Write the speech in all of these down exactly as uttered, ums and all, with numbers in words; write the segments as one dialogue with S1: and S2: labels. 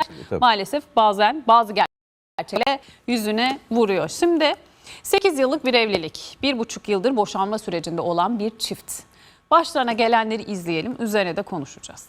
S1: Tabii.
S2: Maalesef bazen bazı gerçeklerle yüzüne vuruyor. Şimdi sekiz yıllık bir evlilik, bir buçuk yıldır boşanma sürecinde olan bir çift. Başlarına gelenleri izleyelim, üzerine de konuşacağız.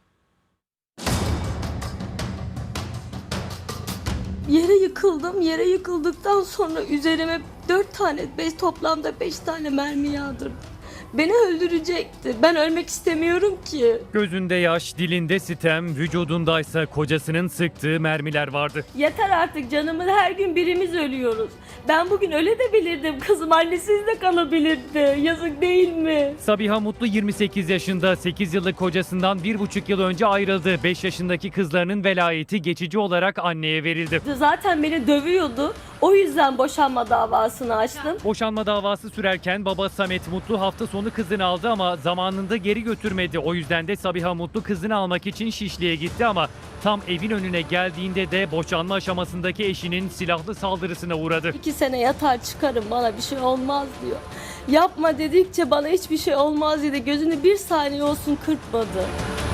S3: Yere yıkıldım. Yere yıkıldıktan sonra üzerime dört tane, beş, toplamda beş tane mermi yağdırdı. Beni öldürecekti. Ben ölmek istemiyorum ki.
S4: Gözünde yaş, dilinde sitem, vücudundaysa kocasının sıktığı mermiler vardı.
S3: Yeter artık, canımın her gün birimiz ölüyoruz. Ben bugün öle de bilirdim. Kızım annesiz de kalabilirdi. Yazık değil mi?
S4: Sabiha Mutlu yirmi sekiz yaşında, sekiz yıllık kocasından bir buçuk yıl önce ayrıldı. beş yaşındaki kızlarının velayeti geçici olarak anneye verildi.
S3: Zaten beni dövüyordu. O yüzden boşanma davasını açtım.
S4: Boşanma davası sürerken baba Samet Mutlu hafta sonu kızını aldı ama zamanında geri götürmedi. O yüzden de Sabiha Mutlu kızını almak için Şişli'ye gitti ama tam evin önüne geldiğinde de boşanma aşamasındaki eşinin silahlı saldırısına uğradı.
S3: İki sene yatar çıkarım, bana bir şey olmaz diyor. Yapma dedikçe bana hiçbir şey olmaz dedi. Gözünü bir saniye olsun kırpmadı.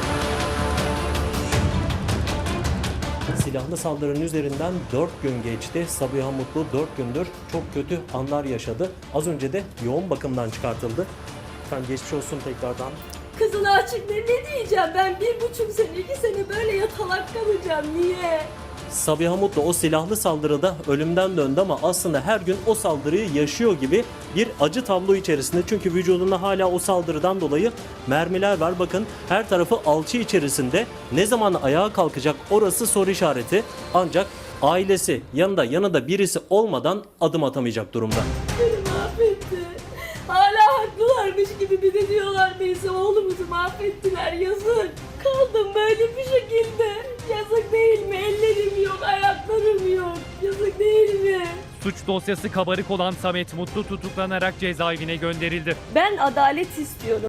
S5: Silahlı saldırının üzerinden dört gün geçti. Sabiha Mutlu dört gündür çok kötü anlar yaşadı. Az önce de yoğun bakımdan çıkartıldı. Efendim geçmiş olsun tekrardan.
S3: Kızına açık ne, ne diyeceğim, ben bir buçuk sene, iki sene böyle yatalak kalacağım, niye?
S5: Sabiha Mutlu o silahlı saldırıda ölümden döndü ama aslında her gün o saldırıyı yaşıyor gibi bir acı tablo içerisinde. Çünkü vücudunda hala o saldırıdan dolayı mermiler var. Bakın her tarafı alçı içerisinde. Ne zaman ayağa kalkacak orası soru işareti. Ancak ailesi yanında yanında birisi olmadan adım atamayacak durumda.
S3: Beni mahvetti. Hala haklılarmış gibi bir de diyorlar neyse oğlumuzu mahvettiler, yazık. Kaldım böyle bir şekilde. Yazık değil mi? Ellerim yok, ayaklarım yok. Yazık değil mi?
S4: Suç dosyası kabarık olan Samet Mutlu tutuklanarak cezaevine gönderildi.
S3: Ben adalet istiyorum.